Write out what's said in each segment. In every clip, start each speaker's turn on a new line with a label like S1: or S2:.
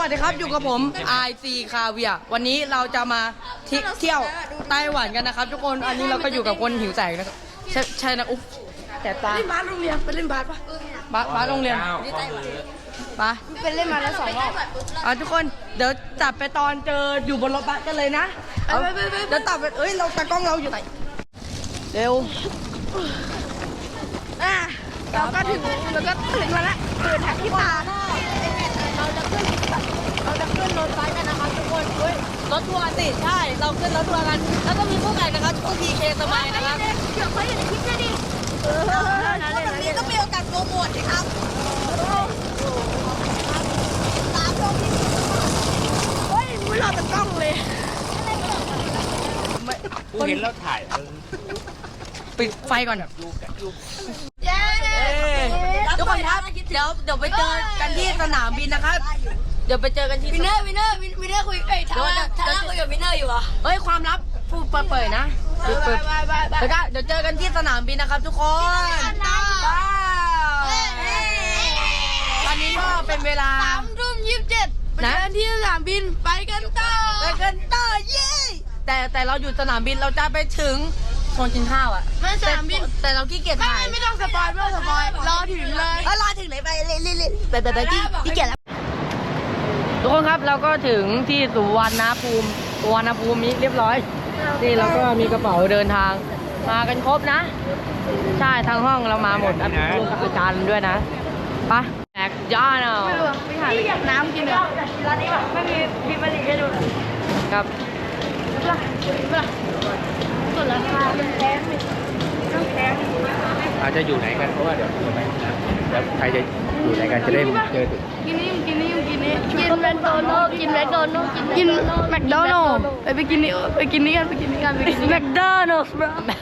S1: สวัสดีครับอยู่กับผม IC คาเวียวันนี้เราจะมาเที่ยวไต้หวันกันนะครับทุกคนอันนี้เราก็อยู่กับคนหิวแสงนะครับใช่นะอุ๊บแต่ตา
S2: เล่นบาสโรงเรียนไปเล่นบาสปะ
S1: บาสโรงเรียนปะ
S2: ไปเล่นมาแล้ว2 รอบ
S1: ทุกคนเดี๋ยวจับไปตอนเจออยู่บนรถบัสกันเลยนะเดี๋ยวตับไปเราตากล้องเราอยู่ไหนเร็ว
S2: เราก็ถึงมาแล้วตื่นแท็กที่ตาเราจะขึ้นรถไฟกันนะครับทุกคน
S1: รถทัวร์สิใช่เราขึ้นรถทัวร์กันแล้วก็มีผู้แข่งนะครับช่วง PK สมัยนะครับ
S2: เดี๋ยวเขาอยู่ในคลิปดิแบบนี้ก็มีโอกาสโปรโมทสิครับตามลงที่ไม่รอแต่กล้องเลย
S3: กูเห็นแล้วถ่าย
S1: ปิดไฟก่อน
S2: เย้
S1: ทุกคนครับเดี๋ยวไปเจอกันที่สนามบินนะครับเดี๋ยวไปเจอกันที่
S2: วินเนอร์คุยทาร่าคุยกับวินเนอร์อยู่เหรอ
S1: ความลับพูดเปิดนะเดี๋ยวเจอกันที่สนามบินนะครับทุกคนตอนนี้ก็เป็นเวลา
S2: 3:27นะที่สนามบินไปกันต่อ
S1: เย้แต่เราอยู่สนามบินเราจะไปถึงโซนกินข้าวอ่ะ
S2: ไม่สนามบิน
S1: แต่เราขี้เกียจถ่าย
S2: ไม่ต้องสปอยรอถึงเลย
S1: รอถึงเลยไปแต่ขี้เกียจแล้วทุกคนครับเราก็ถึงที่สุวรรณภูมินี้เรียบร้อยนี่เราก็มีกระเป๋าเดินทางมากันครบนะใช่ทางห้องเรามาหมดลูกกับอาจารย์ด้วยนะปะแอกย่าเนาะ
S2: ไม่หาน้ำกินเหรอร้านนี้แบบไม่มีพิมพ์ผลิตให้ดู
S1: ครับ
S2: ส่วนราคาเป็นแพง
S3: อาจจะอยู่ไหนกันเพราะว่าเดี๋ยวใครจะอยู่ไหนกันจะได้เจอ
S2: กินแมคโดนัลด์กินแมคโดนัลด์ไปกินนี่กัน
S1: แมคโดนัลด์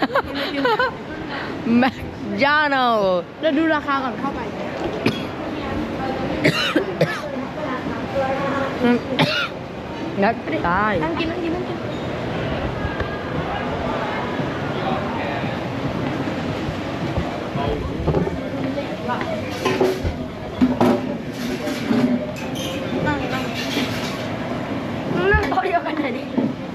S1: แมคโดนัลด์
S2: เราดูราคาก่อนเข้าไป
S1: นักตาย
S2: นั่งกินนั่งโต๊ะเดียวกันหน่อยดิ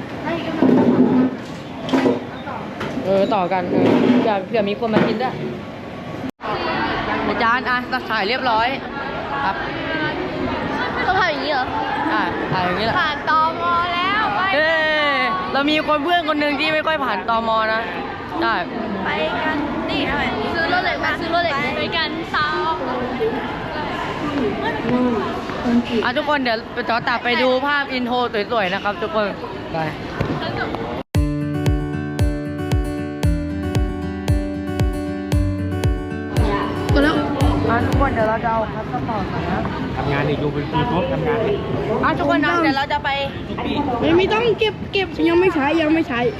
S1: ต่อกันเผื่อมีคนมากินด้วยอาจารย์ถ่ายเรียบร้อยครับ
S2: ต้องถ่ายอย่างนี้เหรอ
S1: ถ่ายอย่างนี้แหละ
S2: ผ่านตม.แล้วไป
S1: เรามีเพื่อนคนหนึ่งที่ไม่ค่อยผ่านตม.นะได้
S2: ไปกันนี่ซื้อรถเหล็กไปกันต่อ
S1: ทุกคนเดี๋ยวไปต่อตัดไปดูภาพอินโทรสวยๆนะครับทุกคนไป
S2: แล้ว
S1: ทุกคนเดี๋ยวเราจะเอาพัสดุต่อนะ
S3: ทำงานอีกดูเป็นปีครบทำงาน
S1: ทุกคนนะเดี๋ยวเราจะไป
S2: ไม่ต้องเก็บยังไม่ใช้
S1: ทุ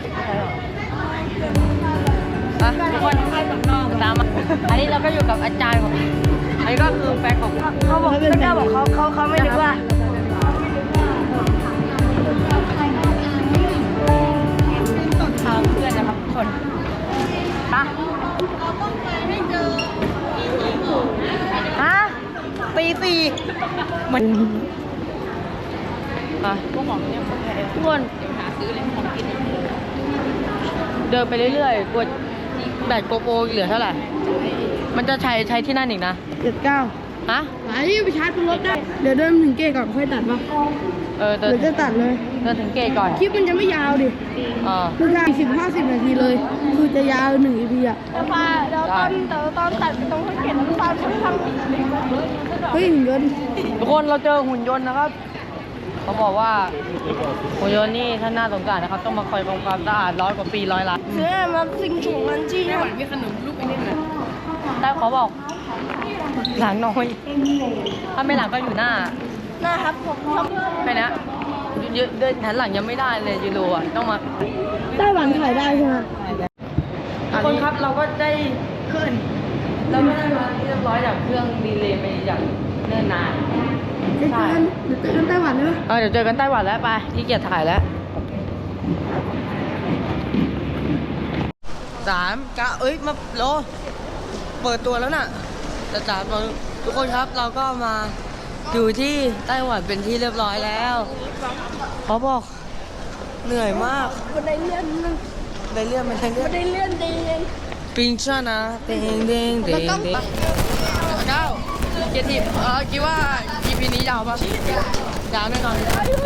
S1: กคนตามมาอันนี้เราก็อยู่กับอาจารย์ของอันนี้ก็คือแฟนของเขาบอกเขาไม่นึกว่าทางเพื่อนนะครับทุกคนเราต้องไปให้เจอตีสี่มันทุกคนหาซื้อเลยของกินเดินไปเรื่อยๆกดแบตโกโปรเหลือเท่าไหร่มันจะใช้ที่นั่นอีกนะ
S2: 79ไปชาร์จบนรถได้เดี๋ยวเดินถึงเกตก่อนค่อยตัดป่ะเดี๋ยวจะตัดเลย
S1: เดินถึงเกตก่อน
S2: คลิปมันจะไม่ยาวดิคือแค่50 นาทีเลยคือจะยาว1 EP อ่ะแล้วตอนตัดไปตรงข้างเกตแล้วตอนทำหุ่นยนต์
S1: ทุกคนเราเจอหุ่นยนต์นะครับเขาบอกว่าหุ่นยนต์นี่ท่านน่าสงสารนะครับต้องมาคอยทำความสะอาด100 กว่าปี100 ล้าน
S2: เสื้อมาสิ่งถุงมันจี้
S1: ไต้หวันมีขนมลูกไอ้นี่นะแต่เขาบอกหลังน้อยถ้าไม่หลังก็อยู่หน้า
S2: ครับผม
S1: ไปนะเดินหันหลังยังไม่ได้เลยยูโรต้องมา
S2: ไต้หวันถ่ายได้ใช่ไหม
S1: ทุกคนครับเราก็ได้ขึ้นเราก็ได้มาเรียบร้อยจากเครื่องดีเลย์ไปอย่างเนิ่นนาน
S2: เดี๋ยวเจอกันไต้หวันใช่ไหม
S1: เดี๋ยวเจอกันไต้หวันแล้วไปที่เกียรถ่ายแล้ว3 9มาโลเปิดตัวแล้วน่ะจะจับทุกคนครับเราก็มาอยู่ที่ไต้หวันเป็นที่เรียบร้อยแล้วเขาบอกเหนื่อยมาก
S2: บันไดเลื่อนนึง
S1: ได้เลื่อนไหมได้เลื่อน
S2: บันไดเลื่อนดีเอง
S1: ปิงชานะเด้งเด้งเด้งเด้งเก้าเกียรติคิดว่า EP นี้ยาวปะยาวแน่นอน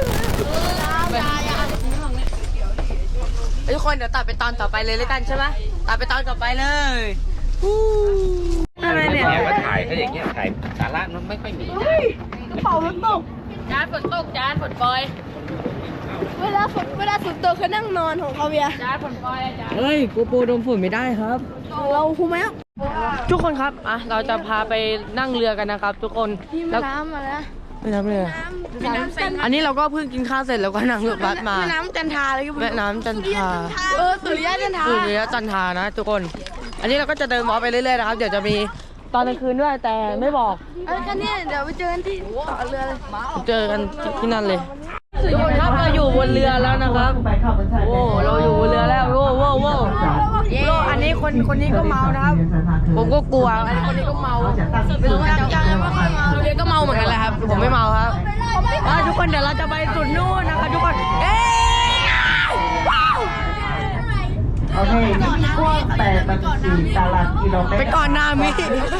S1: ทุกคนเดี๋ยวตัดไปตอนต่อไปเลยแล้วกันใช่ไหมตัดไปตอนต่อไปเลยอะไรเนี่ย
S3: แม้ว่าถ่ายถ้าอย่างเงี้ยถ่ายสาระมันไม่ค่อยมี
S2: กระเป๋ามันตก
S1: จานฝนตกจานฝนปล่อย
S2: เวลาฝนตกเขานั่งนอนของเขาเบียร์
S1: จานฝนปล่อยจานเฮ้ยกูปูดมฝุ่นไม่ได้ครับ
S2: เราคูไหม
S1: ทุกคนครับเราจะพาไปนั่งเรือกันนะครับ ทุกคน
S2: ที่
S1: แล้ว
S2: น้ำมาแล้ว
S1: ไปน้ำเรืออันนี้เราก็เพิ่งกินข้าวเสร็จแล้วก็นั่งรถบัสมา
S2: แม่น้ำจันทราเลย
S1: แม่น้ำจันทรา
S2: สุริยะจันทรา
S1: สุริยะจันทรานะทุกคน อันนี้เราก็จะเดินมอไปเรื่อยๆนะครับ เดี๋ยวจะมีตอนกลางคืนด้วยแต่ไม่บอก
S2: กันเนี่ยเดี๋ยวไปเจอกันที่ต่อเรือเลย
S1: เจอกันที่นั่นเลยทุกคนครับเราอยู่บนเรือแล้วนะครับโอ้เราอยู่บนเรือแล้วโว้โว้โว้โว้อันนี้คนนี้ก็เมานะครับ ผมก็กลัวอันนี้คนนี้ก็เมาไม่รู้ว่าจะคนนี้ก็เมาเหมือนกันแหละครับผมไม่เมาครับทุกคนเดี๋ยวเราจะไปสุดนู่นนะครับทุกคนเอ๊ะ
S4: โอเคนี่กว้าง84ตารางกิโลเมตร
S1: ไปก่อนหน้ามิ
S4: 27 เมตร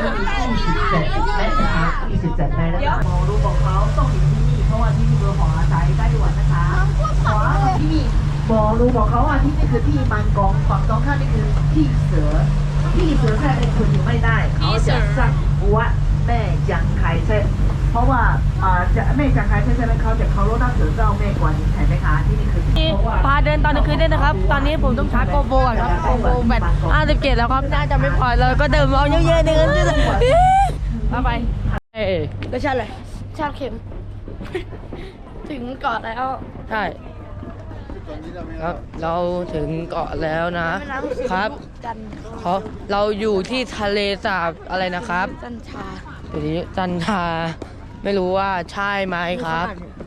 S4: นะคะ27 เมตรนะคะมองรูปของเขาต้องอยู่ที่นี่เพราะว่าที่นี่เมืองของอาศัยไต้หวันนะคะขวาที่นี่มองรูปของเขาที่นี่คือที่มันกองฝั่งตรงข้ามนี่คือที่เสือแค่เป็นคนอยู่ไม่ได้เขาจะสร้างวัดแม่จังไคเซ็นเพราะว่าจะแม่จังไคเซ็นใช่ไหมเขาจะเคารพนับถือเจ้าแม่กวนอิมเห็นไหมคะที่นี่คือเพราะว่า
S1: พาเดินตอนกลางคืนด้วยนะครับ ตอนนี้ผมต้องชาร์จโกโบก่อนครับโกโบแบต57แล้วครับ น่าจะไม่พอเลยก็เดินเอาเยอะๆเดินมาไปเอ้ย
S2: ก็ใช่เลยชาติเข็ม ถึงเกาะแล้ว
S1: ใช่ครับเราถึงเกาะแล้วนะครับเราอยู่ที่ทะเลสาบอะไรนะครับ
S2: จันทรา
S1: อยู่ที่จันทราไม่รู้ว่าใช่ไหมครับ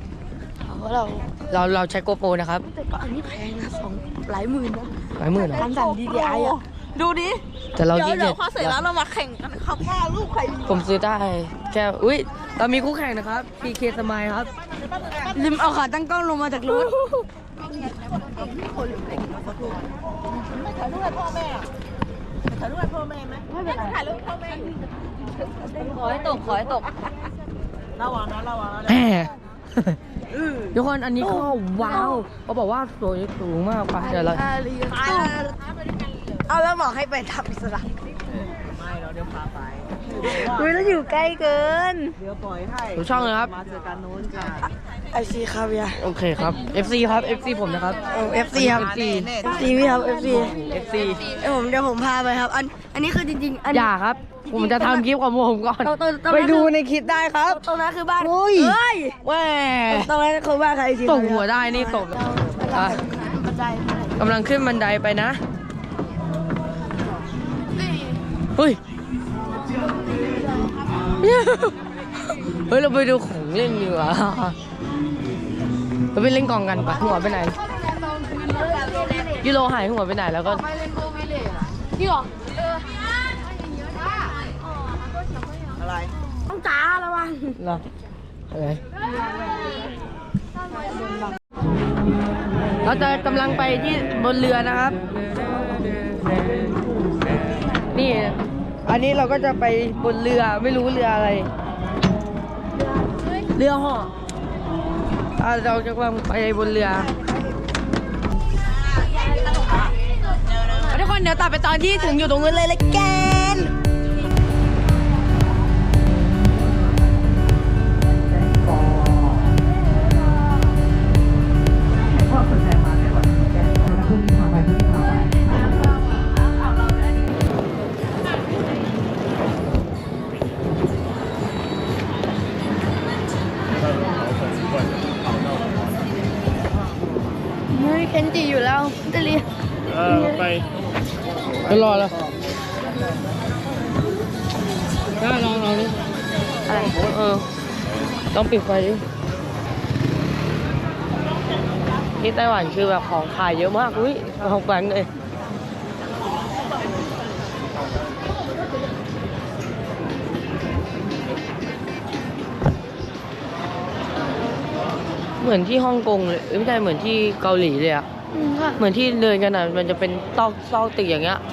S1: เราใช้โกโปรนะครับ
S2: แต่ก็อันนี้แพงนะหลายหมื่นนะ
S1: หลายหมื่นเหรอ
S2: การสั่น DJI อ่ะดูดิ
S1: แต่เรา
S2: เดี๋ยว
S1: ที่
S2: เดี๋ยวพอเสร็จแล้วเรามาแข่งกันครับว่าลูกใคร
S1: ผมซื้อได้แค่อุ้ยเรามีคู่แข่งนะครับ PK สมายครับ
S2: ลืมเอาขาตั้งกล้องลงมาจากรถ
S1: ขอให้ตกขอให้ตก
S4: ระวังนะ
S1: แหมทุกคนอันนี้ก็ว้าวเขาบอกว่าสวยสูงมากป่ะเดี๋ยวเรา
S2: เอาแล้วบอกให้ไปทำอิสระ
S4: ไม่เราเดี๋ยวพาไป
S2: อุ้ยแล้วอยู่ใกล้เกิน
S4: เดี๋ยวปล่อยให้
S1: ดูช่องเลยครับ
S4: มาเจอกันนู้นค่ะ
S2: FC ครับเบียร์
S1: โอเคครับ FC ครับ FC ผมนะครับ
S2: FC ครับ
S1: FC
S2: FC พี่ครับ FC
S1: FC
S2: เดี๋ยวผมพาไปครับ อันนี้คือจริงๆอัน
S1: อย่าครับ ผมจะทำคลิปของผมก่อน
S2: ตรงนั้น
S1: ไปดูในคลิปได้ครับ
S2: ตรงนั้นคือบ้าน
S1: อุ้ย
S2: เฮ้ย
S1: แหม่
S2: ตรงนั้นคือบ้านใครจริง
S1: ตกหัวได้นี่ตกอ่ะ
S2: บันได
S1: กำลังขึ้นบันไดไปนะเฮ้ยเฮ้ยเราไปดูของเล่นดีกว่าเราไปเล่นกองกันปะหัวไปไหนยูโรหายหัวไปไหนแล้วก็
S2: นี่หรอ
S4: อะไร
S2: ต้องจ้าระวัง
S1: เหรออะไรเราจะกำลังไปที่บนเรือนะครับ นี่ อันนี้เราก็จะไปบนเรือไม่รู้เรืออะไร เรือห่อเราจะกำลังไปบนเรือทุกคนเดี๋ยวตัดไปตอนที่ถึงอยู่ตรงนู้นเลยละกัน
S4: พ่อสนใจมาได้ก่อนแกพรุ่งนี้พาไปพรุ่งนี้พาไป
S2: เฮ้ยเคนจิอยู่แล้วจะเรียน
S1: ไปรอแล้วได้ลองนี่อะไรต้องปิดไฟดิที่ไต้หวันคือแบบของขายเยอะมากอุ้ยของแปลงเลยเหมือนที่ฮ่องกงเลยไม่ใช่เหมือนที่เกาหลีเลยอะ
S2: ค่ะ
S1: เหมือนที่เดินกันอะมันจะเป็นซอกตึกอย่างเงี้ย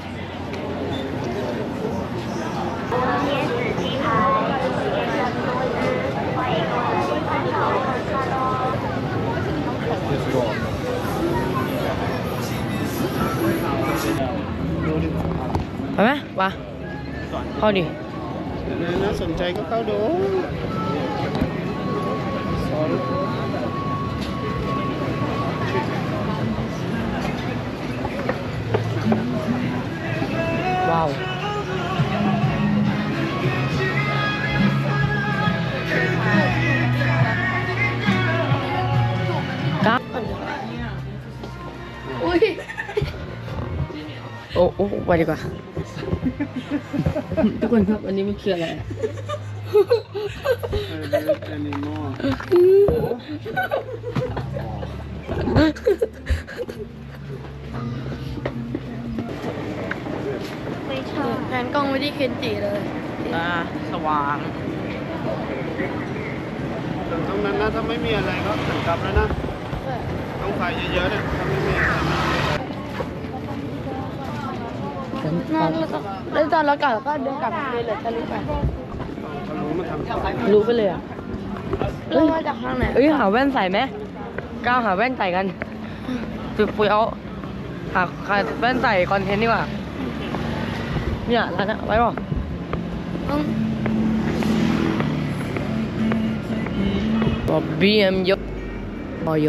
S1: ไปไหมไปเข้าดิ
S3: น่าสนใจก็เข้าดูสอน
S1: ว้าว ครับ
S2: อุ้ย
S1: โอ้ไปดีกว่า ทุกคนครับ อันนี้มันคืออะไรอะ
S3: แอนิมอล
S2: แผนกล้องไม่ได้เคนจิเลย
S1: ตาสว่าง
S3: ตรงนั้นนะถ้าไม่มีอะไรก็หันกลับแล้วนะต้องไฟเยอะๆนะถ้าไม่มีอะไร
S2: นั่นแล้วตอนเรากลับก็เดินกลับเลยเหรอจะรู้ไป
S3: เขารู้มาทำไฟ
S1: รู้ไปเลยอ่ะ
S2: เรามาจากทางไหน
S1: เอ้ยหาแว่นใส่ไหมก้าวหาแว่นใส่กันปุยเอาหาแว่นใส่คอนเทนต์ดีกว่า เนี่ยร้านนะไว้ป่ะ
S2: ต้อง
S1: บอบบี้เอ็มยกบอย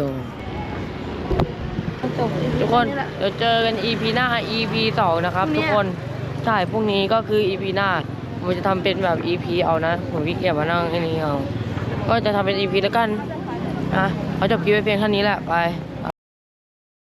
S2: จบ
S1: ทุกคน เดี๋ยวเจอกัน EP หน้า EP 2 นะครับ ทุกคน ใช่ พวกนี้ก็คือ EP หน้า ผมจะทำเป็นแบบ EP เอานะ ผมขี้เกียจมานั่งไอ้นี้เอา ก็จะทำเป็น EP แล้วกัน นะเขาจบคลิปไว้เพียงเท่านี้แหละ ไป